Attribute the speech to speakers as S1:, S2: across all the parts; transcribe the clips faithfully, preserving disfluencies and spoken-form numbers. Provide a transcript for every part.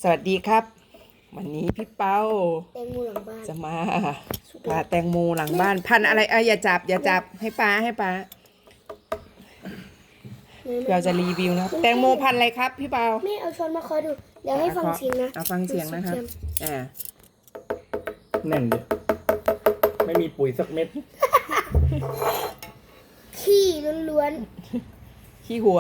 S1: สวัสดีครับวันนี้พี่เป้า
S2: แตงโมหลังบ้าน
S1: จะมาพาแตงโมหลังบ้านพันอะไรเอ้ยอย่าจับอย่าจับให้ป้าให้ป้าเราจะรีวิวนะแตงโมพันอะไรครับพี่เป้า
S2: แม่เอาช้อนมาคอยดูเดี๋ยวให้ฟังเสียงนะ
S1: เอาฟังเสียงนะครับอ่า
S3: แน่นเลยไม่มีปุ๋ยสักเม็ด
S2: ขี้ล้วน
S1: ขี้หัว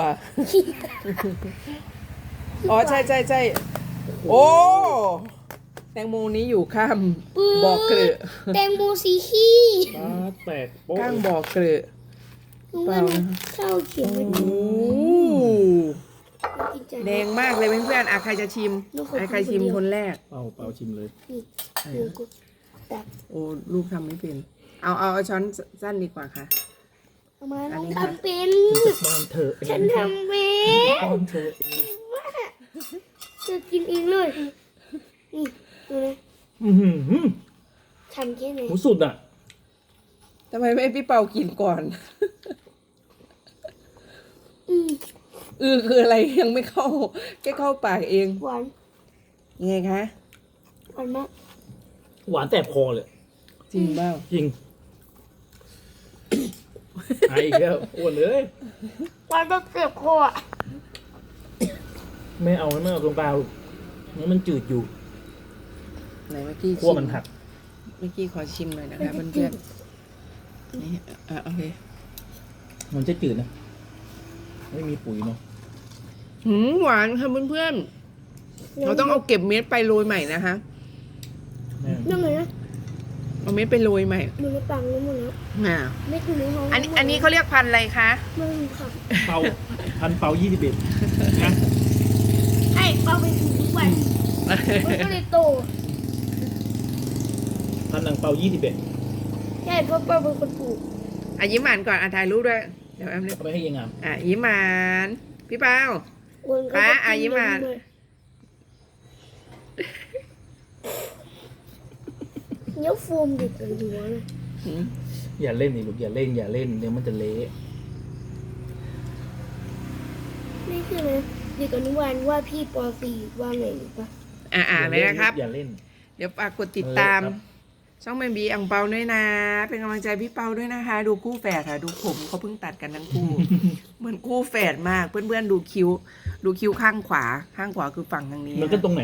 S1: อ๋อใช่ใช่ใช่โอ้แตงโมนี้อยู่ข้ามบ่อเกลือ
S2: แตงโมสีขี้
S3: ฟ้าแตกโป๊ะ
S1: ข้างบ่อเกลือ
S2: เปล่าข้าวเขียวไม่ดี
S1: โอ้แดงมากเลยเพื่อนๆอ่ะใครจะชิมใครชิมคนแรก
S3: เป่าเป่าชิมเลย
S1: โอ้ลูกทำไม่เป็นเอาเอาช้อนสั้นดีกว่าค่ะ
S2: ทำไมน้องทำเป็น
S3: บ้านเธอ
S2: ฉันทำเป็น
S3: บ้านเธอ
S2: จะกินเองเลยนี่ดูนะทำแค่ไหน
S3: หมูสุดอ่ะ
S1: ทำไมไม่พี่เป่ากินก่อน
S2: อือ
S1: อือคืออะไรยังไม่เข้าแค่เข้าปากเอง
S2: หวาน
S1: ยังไงคะ
S2: หวานมาก
S3: หวานแสบคอเลย
S1: จริงเปล่า
S3: จริงไอ้แก้วอ้วนเลย
S2: หวานต้องเจ็บคอ
S3: ไม่เอาไม่เอาตรงกลางนี่มันจืดอยู่
S1: ไหนเมื่อกี้
S3: ขั้วมันหัก
S1: เมื่อกี้ขอชิมหน่อยนะคะเพื่อนๆนี่อ่ะโอเค
S3: มันจะจืดนะไม่มีปุ๋ยเนาะ
S1: หืมหวานค่ะเพื่อนๆเราต้องเอาเก็บเม็ดไปโรยใหม่นะคะ
S2: ยังไงนะ
S1: เอาเม็ดไปโรยใหม่
S2: มันไม่ปังแล้วหมดแล้ว
S1: อ่า
S2: ไม่ถึงในห้อง
S1: อันนี้อันนี้เขาเรียกพันธุ์อะไรคะ
S2: ไม่รู้ค่ะ
S3: เป่าพันเป่ายี่สิบเอ็ดนะ
S2: ไอ้เป่าไปถึงทุกวันมันก็เลยโต
S3: พันหนังเป่ายี่สิบเอ็ด
S2: ใช่เพราะเป่าเป็นคนปลูก
S1: อ่ะยิ้มหวานก่อนอ่ะถ่ายรูปด้วยเดี๋ยวแอมเรียก
S3: เอาไปให้ยังงาม
S1: อ่ะยิ้มหวานพี่เป้าป้าอ่ะยิ้มหวาน
S2: เนื้อโฟมดิบเลยหัวเลย
S3: อย่าเล่นนี่ลูกอย่าเล่นอย่าเล่นเดี๋ยวมันจะเละ
S2: นี่คือนะเด็กอนุบาลว่าพี่ปอสี่ว่าไงหรือปะ
S1: อ่าอ่าเลยนะครับ
S3: อย่าเล่น
S1: เดี๋ยวฝากกดติดตามช่องแมนบีอังเปาด้วยนะเป็นกำลังใจพี่เปาด้วยนะคะดูคู่แฝดค่ะดูผมเขาเพิ่งตัดกันทั้งคู่เหมือนคู่แฝดมากเพื่อนๆดูคิ้วดูคิ้วข้างขวาข้างขวาคือฝั่งทางนี้
S3: มันก็ตรงไหน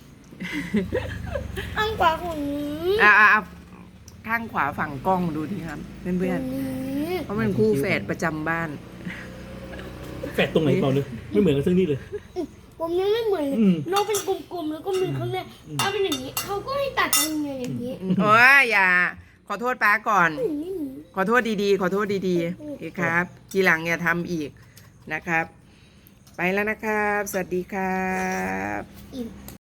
S2: ข้างขวาของ
S1: อ่าอ่าข้างขวาฝั่งกล้องดูดีครับเพื่อนๆเพราะมันคู่แฝดประจำบ้าน
S3: แฝดตรงไหนเปล่าเลยไม่เหมือนกันสักนิดเลย
S2: ผมยังไม่เหมือนน้องเป็นกลมๆแล้วก็มีข้างในเอาเป็นอย่างนี้เขาก็ให้ตัดตรงนี้อย่างนี้
S1: โอ้ยอย่าขอโทษป้าก่อนขอโทษดีๆขอโทษดีๆอีกครับทีหลังอย่าทำอีกนะครับไปแล้วนะครับสวัสดีครับ